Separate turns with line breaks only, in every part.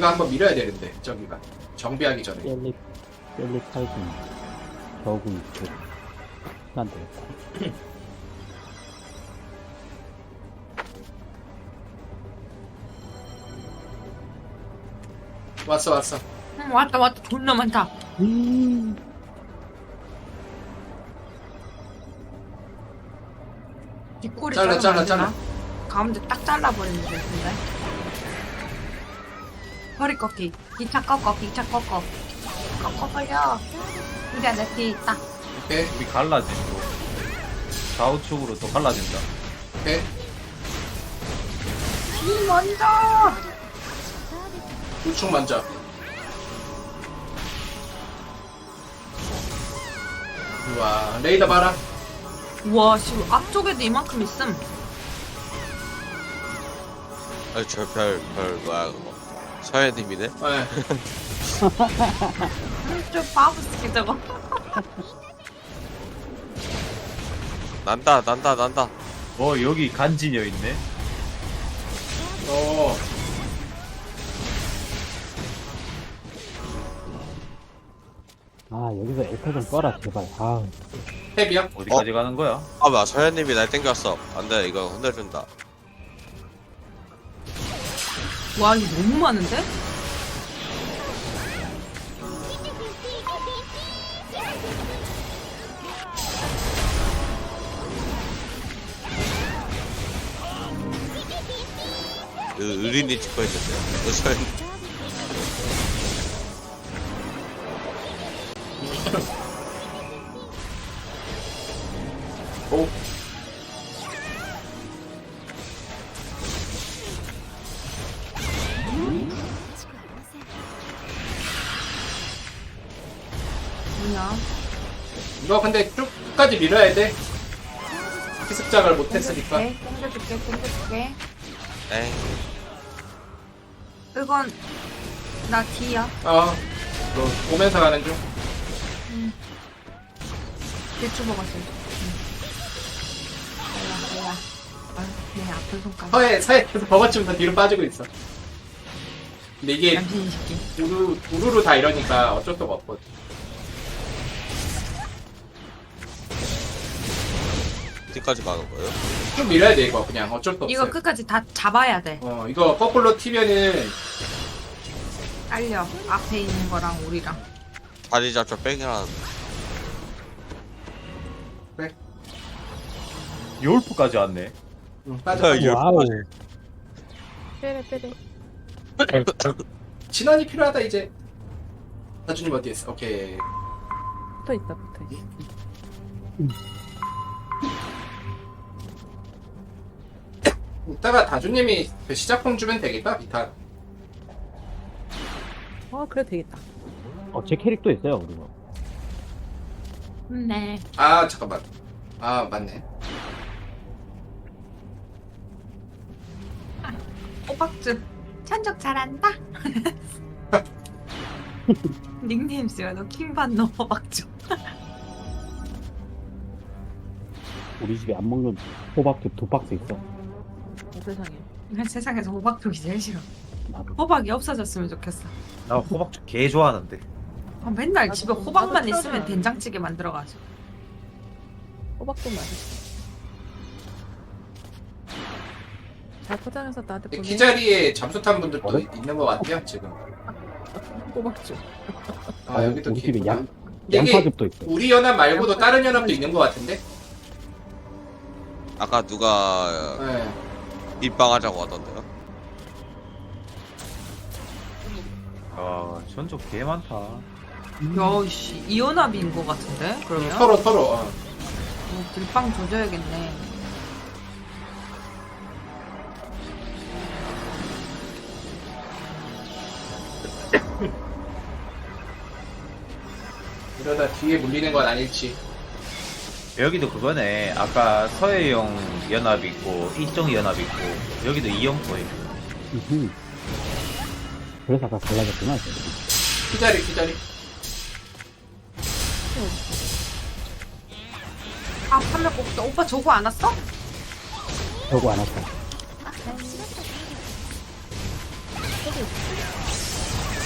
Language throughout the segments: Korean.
우리가 한번 밀어야 되는데 저기가 정비하기 전에.
젤리 칼군 저구 있고 안 되겠다.
왔어 왔어.
왔다 존나 많다. 뒷골이
잘라,
자르면
잘라,
안 되나? 가운데 딱 잘라버리면 되는데. 허리 꺾기 2차 꺾어 2차 꺾어 꺾어버려. 우리 안에 뒤에 있다.
오케이
우리 갈라진다. 좌우측으로 또 갈라진다.
오케이.
이 먼저.
우측 먼저. 우와 레이더 봐라.
우와 씨 앞쪽에도 이만큼 있음.
아니 저별 뭐야 그거 서현님이네?
네.
좀 바보스키 저거.
난다
여기 간지녀 있네.
어.
아 여기서 엘카 좀 꺼라 제발. 아
탭이야?
어디까지 가는 거야?
아 뭐야 서현님이 날 땡겼어 안돼 이거 혼내준다
와 이거 너무 많은데?
의린이 찍고 있는데 서현
오.
뭐냐?
이거 근데 쭉까지 밀어야 돼. 기습작을 못했으니까.
땡겨줄게.
에이
이건 나 D야.
어. 너 오면서 가는 중.
대추 먹었어. 뭐야. 내 아픈 손가락.
서해에서 버거쯤 더 뒤로 빠지고 있어. 근데 이게
양심 새끼.
우르르 다 이러니까 어쩔 수가 없거든.
어디까지 가는 거예요?
좀 밀어야 돼 이거 그냥 어쩔 수 없어.
이거 끝까지 다 잡아야 돼.
이거 거꾸로 튀면은
딸려. 앞에 있는 거랑 우리랑.
다리 잡자 뺑이라는
요울프까지 왔네.
빠져.
야,
와우.
빼래.
진원이 필요하다 이제. 다주님 어디 있어? 오케이.
붙어 있어.
이따가 다주님이 그 시작품 주면 되겠다 비탄.
그래 되겠다.
제 캐릭도 있어요 그리고.
네.
아 잠깐만. 아 맞네.
호박즙. 천적 잘한다. 닉네임 쓰여. 너 킹받노 호박즙.
우리 집에 안 먹는 호박즙 2박스 있어.
세상에.
난 세상에서 호박죽이 제일 싫어.
나도.
호박이 없어졌으면 좋겠어.
나 호박죽 개 좋아하는데.
맨날
나도-
집에 호박만
나도
있으면
싫어하잖아.
된장찌개 만들어가지고.
호박 좀 맛있어. 잘 포장해서 나한테 보내.
기자리에 잠수탄 분들도
어래?
있는 것 같아요 지금.
호박죽.
아 여기도
우리 집에
있구나. 이게
양파즙도 있어.
우리 연합 말고도 다른 연합도 있는 것 같은데?
아까 누가
네.
입방하자고 하던데요?
전적 개 많다.
야씨 이연합인 것 같은데? 그러면?
서로.
들빵 조져야겠네.
이러다 뒤에 물리는 건 아닐지.
여기도 그거네. 아까 서해용 연합 있고 이쪽 연합 있고 여기도 이영포에.
그래서 아까 갈라졌구나.
기자리.
아 판매 뽑다. 오빠 저거 안 왔어?
저거 안 왔다.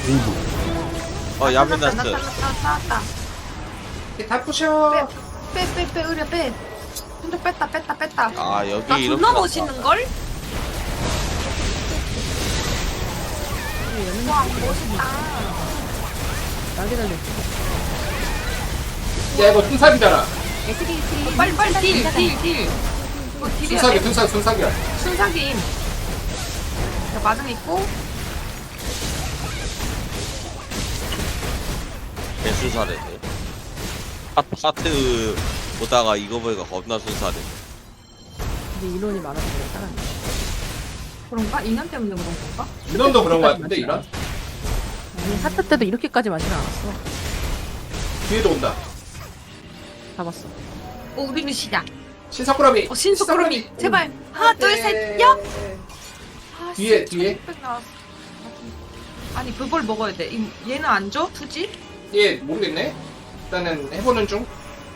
야벤나스.
나왔다.
다 부셔.
빼, 의려 빼. 혼자 뺐다.
아,
나
여기 이렇게.
존나 멋있는걸? 와, 멋있다.
나게 달려.
야 이거 순삭이잖아.
빨리 딜. 이거 딜이야.
순삭이야.
순삭임. 자, 마중 있고.
개수사래네. 하트 보다가 이거 보니까 겁나 순사네.
근데 인원이 많아서 그래, 사람이.
그런가? 인연 때문에 그런 건가?
이런도 그런 거 같은데 이런?
아니, 하트 때도 이렇게까지 많진 않았어.
뒤에도 온다.
잡았어.
오, 우리는 시작.
신사꾸러미.
신속구름이. 제발. 하나, 둘, 셋, 야! 아,
뒤에,
씨,
뒤에.
1600 나왔어. 아니, 그걸 먹어야 돼. 얘는 안 줘? 투지?
얘 모르겠네. 일단은 해보는 중.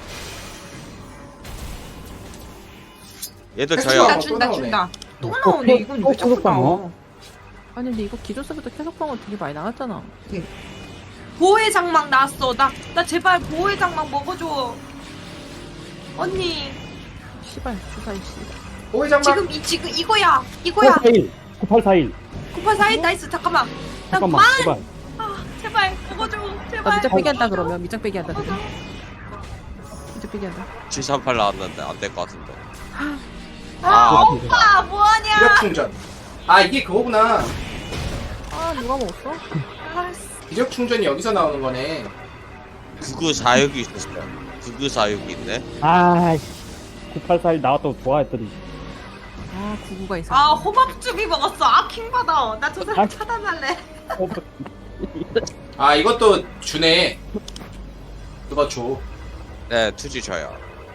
얘들
택시가
저요.
또
준다.
나오네.
또 나오네. 이건 왜 자꾸 나와?
아니, 근데 이거 기존서부터 계속방울 되게 많이 나왔잖아.
보호의 장막 나왔어. 나 제발 보호의 장막 먹어줘. 언니.
씨발, 주사위 씨.
오해장막.
지금 이거야.
9841.
9841 나이스. 잠깐만.
잠깐만, 제발.
아, 제발 먹어줘.
나
제발.
밑장 빼기 한다,
먹어줘.
그러면. 밑장 빼기 한다,
먹어줘.
그러면. 밑장 빼기 한다.
738 나왔는데 안 될 것 같은데.
아, 오빠 뭐하냐?
기력 충전. 아 이게 그거구나.
아, 누가 먹었어?
아,
기력 충전이 여기서 나오는 거네.
9946이 있었어요. 9946이 있네.
아이씨. 9841 나왔다고 좋아했더니.
아, 99가 있어.
아 호박죽이 먹었어. 아 킹받아. 나 저 사람
아.
차단할래.
아 이것도 주네. 그거 줘.
네, 투지 저요.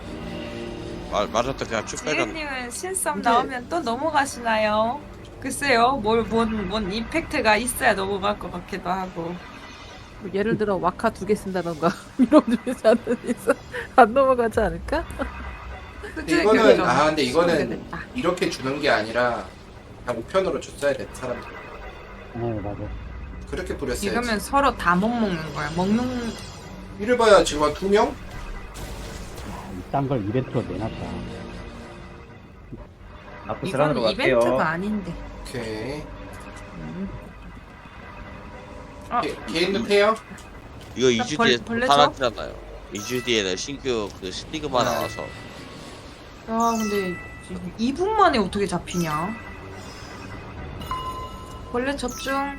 맞았다. 그냥 쭉 빼간.
지은님은 신썸
근데-
나오면 또 넘어가시나요? 글쎄요. 뭔 이펙트가 있어야 넘어갈 것 같기도 하고.
뭐 예를 들어, 와카 2개 쓴다던가. 이런 중에서 안 넘어가지 않을까?
이거는 근데
네,
이거는 이렇게 주는 게 아니라 그냥 우편으로 줬어야 돼 사람들.
네, 맞아.
그렇게 뿌렸어야지.
이러면 서로 다 못 먹는 거야. 먹는
이를 봐야 지금 한 2명?
이딴 걸 이벤트로 내놨다.
아프스란으로
이건
갈게요.
이벤트가 아닌데.
오케이.
아,
개인도 태요?
이거 2주 뒤에
벌레 줘?
살았잖아요. 2주 뒤에는 신규 그 스티그마 나와서.
야 근데 지금 2분 만에 어떻게 잡히냐? 원래 접중.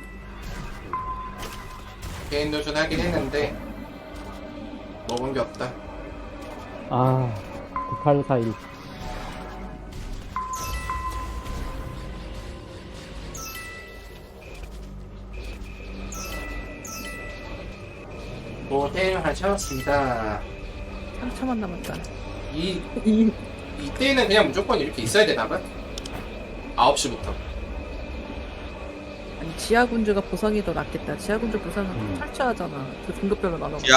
개인 도전 하긴 했는데 먹은 게 없다.
아, 9841.
고생하셨습니다.
3초만 남았다.
이때는 그냥 무조건 이렇게 있어야 되나 봐. 9시부터.
아니, 지하군주가 보상이 더 낫겠다. 지하군주 보상은 탈취하잖아. 그 등급별로 나눠.